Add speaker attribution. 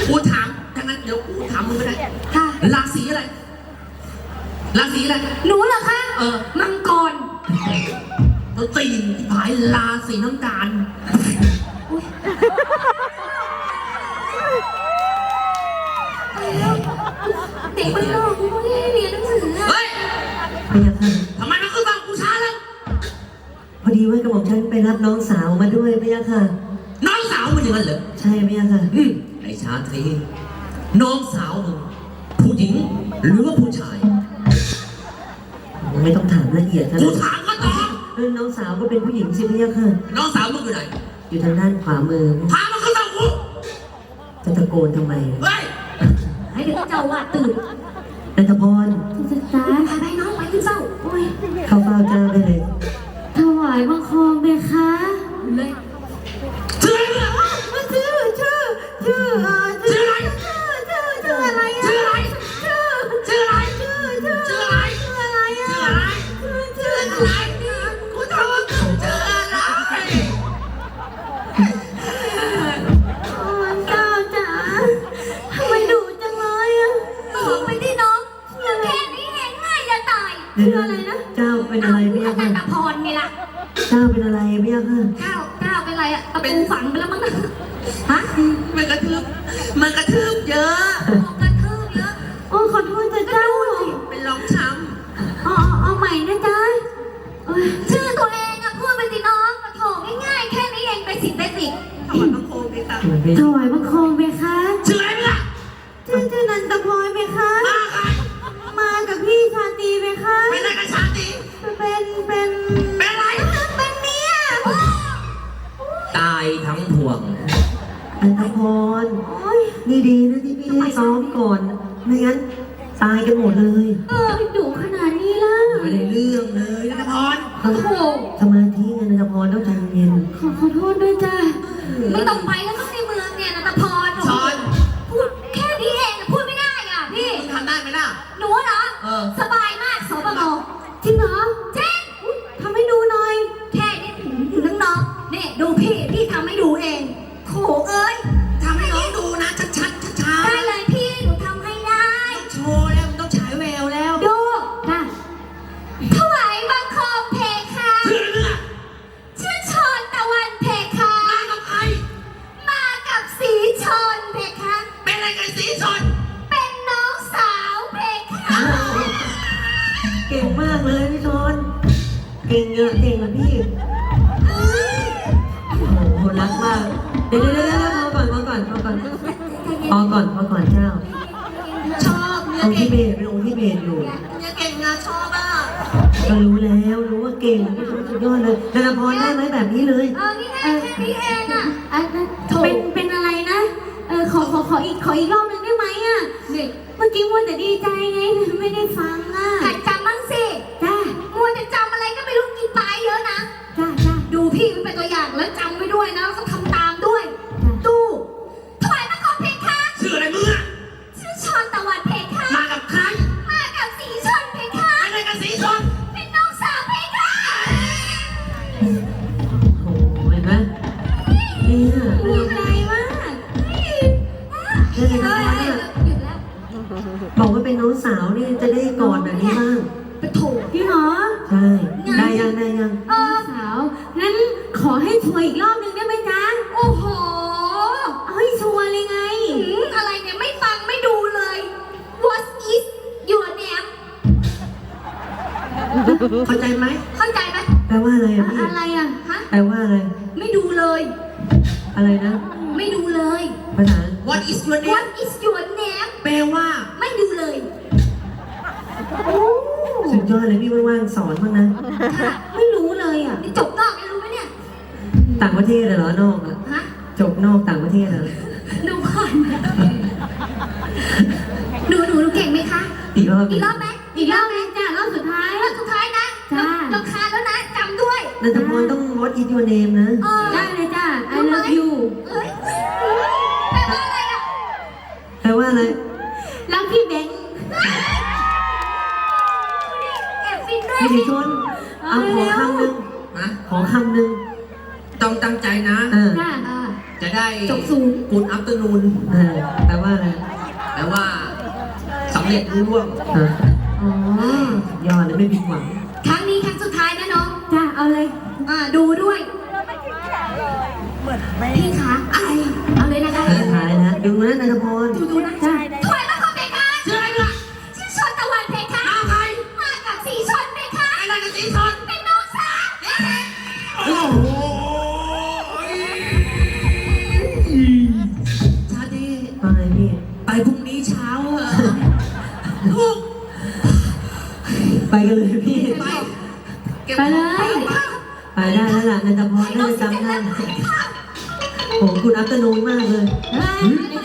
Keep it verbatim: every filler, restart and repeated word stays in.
Speaker 1: กูถามถ้างั้นเดี๋ยวกูถามมึงก็ได้
Speaker 2: ค่ะ
Speaker 1: ราศีอะไรราศีอะไร
Speaker 2: หนูเหรอคะ
Speaker 1: เออ
Speaker 2: มังกร
Speaker 1: ตัวตีนผายราศีน้ำตาล
Speaker 2: เด็กมันโลกกูไม่ได้เรียนหนังสือ
Speaker 1: เฮ้ย
Speaker 3: พะยะค่ะ
Speaker 1: ทำไมมันขึ้นมากูช้าแล้ว
Speaker 3: พอดีว่ากระหม่อมฉันไปรับน้องสาวมาด้วยพะยะค่ะ
Speaker 1: น้องสาวมึงอย่างนั้นเหรอ
Speaker 3: ใช่พะยะค่ะ
Speaker 1: อืมไอ้ชาตรีน้องสาวมึงผู้หญิงหรือว่าผู้ชาย
Speaker 3: ไม่ต้องถามละเอียดนะ
Speaker 1: กูถามก็ตอบ
Speaker 3: เออน้องสาวก็เป็นผู้หญิงสิพะยะค่ะ
Speaker 1: น้องสาวมึงอยู่ไหน
Speaker 3: อยู่ทางด้านขวามือ
Speaker 1: พามันขึ้นมากู
Speaker 3: จะตะโกนทำไม
Speaker 1: เฮ้ย
Speaker 2: ให้เด็กเจ้าว่าตื่น
Speaker 3: นันทพร
Speaker 2: ศึกษาพาไปน้องไปขึ้นเศร้าโอ้ย
Speaker 3: เข้าเฝ้าเจ้าได้เลย
Speaker 2: ถวายบังคมเบคะเลย
Speaker 1: ชื่ออะไรมึง
Speaker 2: ชื่อชื่อชื่อเออ
Speaker 1: ชื่ออะไร
Speaker 2: ชื่อชื่อชื่ออะไรอะ
Speaker 1: ชื่ออะไร
Speaker 2: ชื่อ
Speaker 1: ชื่ออะไร
Speaker 2: ชื่อชื่อ
Speaker 1: ชื่ออะไร
Speaker 2: ชื่ออะไรอะ
Speaker 1: ชื่ออะไร
Speaker 2: ชื่อ
Speaker 1: ชื่ออะไรกูถามว่าชื่ออะไร
Speaker 2: โอ้ยเจ้าจ๋าทำไมดุจังเลยอะบอกไปที่น้องชื่อแค่นี้เองง่ายจะตาย
Speaker 3: เดี๋ยว
Speaker 2: ชื่ออะไรนะ
Speaker 3: เจ้าเป็นอะไรพะยะ
Speaker 2: นั
Speaker 3: ค่ะ
Speaker 2: นทพรไงล่ะ
Speaker 3: เจ้าเป็นอะไรพะยะค่ะ
Speaker 2: ก้าวก้าวเป็นไรอะตะปูฝังไปแล้วมั้งนะฮะ
Speaker 1: มันกระทืบมันกระทืบเยอะ
Speaker 2: บอกกระทืบเยอะโอ้ขอโทษจ้ะเจ้า
Speaker 1: เป็นรองช้
Speaker 2: เอาเอาเอาใหม่นะจ๊ะเอ้ยชื่อตัวเองอะพูดไปสิน้องมาโถง่ายๆแค่นี้เองไปสิไปสิ
Speaker 1: ำถอดน้ำโคมไปค่ะ
Speaker 3: มันเป็น
Speaker 2: ถวายบังคมเบคะ
Speaker 1: ชื่ออะไรมึงล่ะ
Speaker 2: ชื่อชื่อนันตพรเบคะ
Speaker 1: มาใคร
Speaker 2: มากับพี่ชาตรีเบคะ
Speaker 1: เป็นอะไรกับชาติ
Speaker 2: เป็นเป็น
Speaker 1: เป็นอะไร
Speaker 2: เป็นเมีย
Speaker 1: ตายทั้งพวง
Speaker 3: นันทพร
Speaker 2: โอ้ย
Speaker 3: นี่ดีนะที่พี่ให้ซ้อมก่อน ไม่งั้นตายกันหมดเลย
Speaker 2: เออดุขนาดนี้ล่ะ
Speaker 1: ไม่ได้เรื่องเลยนะพร
Speaker 2: โอ้โห
Speaker 3: สมาธิไงนันทพรต้องใจเย็น
Speaker 2: ขอขอโทษด้วยจ้ะไม่ต้องไปแล้วต้องในเมืองเนี่ยนันตพร
Speaker 1: ชอน
Speaker 2: พูดแค่นี้เองพูดไม่ได้อ่ะพี่
Speaker 1: มึงทำได้ไหมล่ะ
Speaker 2: หนูเหรอ
Speaker 1: เออ
Speaker 2: สบายมากสปงจริงเหรอจริงทำให้ดูหน่อย แค่นี้ถึงน้องๆนี่ดูพี่ พี่ทำให้ดูเองโถเอ้ย
Speaker 1: ทำให้น้องดูนะชัดชัดชัดช้า
Speaker 2: ได้เลยพี่ หนูทำให้ได้
Speaker 1: โชว์แล้วมึงต้องฉายแววแล้ว
Speaker 2: ดูนะถวายบังคมเพคะ
Speaker 1: ชื่ออะไรมึงอ่ะ
Speaker 2: ชื่อชนตะวันเพคะ
Speaker 1: มากับใคร
Speaker 2: มากับสีชนเพคะ
Speaker 1: เป็นอะไรกันสีชน
Speaker 2: เป็นน้องสาวเพคะ
Speaker 3: เก่งมากเลยพี่ชนเก่งเยอะเก่งเหมือนพี่ โอ้โหรักมาก เดี๋ยวเดี๋ยวเดี๋ยวพอก่อนพอก่อนพอก่อนพอก่อนพอก่อนเจ้า
Speaker 1: ชอบเนี่ย
Speaker 3: องค์
Speaker 1: เก่
Speaker 3: ที่
Speaker 1: ง
Speaker 3: เบสเป็นองค์ที่เบสอยู่
Speaker 1: เนี่ยเก่งนะชอบอ่ะ
Speaker 3: ก็รู้แล้วรู้ว่าเก่งพี่ชนสุดยอดเลยนันทพรได้ไหมแบบนี้เลย
Speaker 2: เออนี่ไงแค่นี้เองอ่ะอันนั้นเป็นเป็นอะไรนะ เออขอขอขออีกขออีกรอบหนึงได้ไหมอ่ะนี่เมื่อกี้มัวแต่ดีใจไงไม่ได้ฟังอ่ะหัดจำบ้างสิจ้ามัวแต่จำอะไรก็ไม่รู้กินปลายเยอะนะจ้าจ้าดูพี่มันเป็นตัวอย่างแล้วจำไว้ด้วยนะแล้วก็ทำตามด้วยตู้ถวายบังคมเพคะ
Speaker 1: ชื่ออะไรมึงอ่ะ
Speaker 2: ชื่อชนตะวันเพคะ
Speaker 1: มากับใคร
Speaker 2: มากับสีชนเพคะ
Speaker 1: อะไรกันสีชน
Speaker 2: เป็นน้องสาวเพคะ
Speaker 3: โอ้โหเห็นไหมเนี่ย
Speaker 2: ดีใจมาก
Speaker 3: เรื่องนันทพรเนี่ย
Speaker 2: หยุดแล้ว
Speaker 3: บอกว่าเป็นน้องสาวนี่จะได้กอดแบบนี้บ้าง
Speaker 2: ไปโถพี่หรอ
Speaker 3: ใช่ ได้ยังได้ยัง
Speaker 2: เออสาว งั้นขอให้ชัวร์อีกรอบหนึ่งได้ไหมจ๊ะ โอ้โห เอาให้ชัวร์เลยไงอะไรเนี่ยไม่ฟังไม่ดูเลย What is your name
Speaker 1: เข้าใจไหม
Speaker 2: เข้าใจไหม
Speaker 3: แปลว่าอะไรอ่ะพี่
Speaker 2: อะไรอ่ะ ฮะ
Speaker 3: แปลว่าอะไร
Speaker 2: ไม่ดูเลย
Speaker 3: อะไรนะ
Speaker 2: ไม่ดูเลย
Speaker 3: ภาษา
Speaker 1: What is your name
Speaker 2: What is your name
Speaker 1: แปลว่า
Speaker 2: ไม่ดูเลย
Speaker 3: สุดยอดเลยพี่ว่างๆสอนบ้างนะ
Speaker 2: ค่ะไม่รู้เลยอ่ะนี่จบนอกไม่รู้ไหมเนี่ย
Speaker 3: ต่างประเทศเหรอนอกอะ
Speaker 2: ฮะ
Speaker 3: จบนอกต่างประเทศเหรอ
Speaker 2: ดูก่อนหนูหนูหนูเก่งไหมคะ
Speaker 3: อีกรอบห
Speaker 2: อี
Speaker 3: นึ่
Speaker 2: ก
Speaker 3: ง
Speaker 2: รอบไหมอีกรอบไหมจ้ารอบสุดท้ายรอบสุดท้ายนะจ้ารำคาญแล้วนะจำด้วย
Speaker 3: นันทพรต้อง What is your name นะ
Speaker 2: ได้เลยจ้า I love you เอ้ยแปลว่าอะไรอ่ะ
Speaker 3: แปลว่าอะไร
Speaker 2: รักพี่เบงแอบฟินด้วย
Speaker 3: พี่ดิชนเอาขอคำหนึ่ง
Speaker 1: ฮะ
Speaker 3: ขอคำหนึ่ง
Speaker 1: ต้องตั้งใจนะ
Speaker 3: เออ
Speaker 2: จ้า
Speaker 1: จะได้
Speaker 2: จบสูง
Speaker 1: กูดอัพเตอร์นูน
Speaker 3: เออแปลว่าอะไร
Speaker 1: แปลว่าสำเร็จรุ่ร่วง
Speaker 3: ฮะ
Speaker 2: อ๋อย
Speaker 3: อดเลยไม่ผิดหวัง
Speaker 2: ครั้งนี้ครั้งสุดท้ายนะน้อง จ้าเอาเลย อ่าดูด้วยพี่คะไอเอาเลยนะคะ
Speaker 3: สุดท้ายนะดูนะนันทพร
Speaker 2: ดูดูนะจ้าถอยมาก่อนเพคะชื่ออะไรล่ะชื่อชนตะวันเพคะมาใครมากับสีชนเพคะอะไรกับสีชนเป็นน้องสาว
Speaker 1: โอ้โหชาดี
Speaker 3: ว่าไงพี่
Speaker 1: ไปพรุ่งนี้เช้าเหรอลูก
Speaker 3: ไปกันเลยพี่
Speaker 1: ไปก็บ
Speaker 2: ไปเลย
Speaker 3: ไปได้แล้วล่ะนันทพรน่าจะจำได้โอ้โหคุณอัพตโนนมากเลย
Speaker 2: เฮ้ย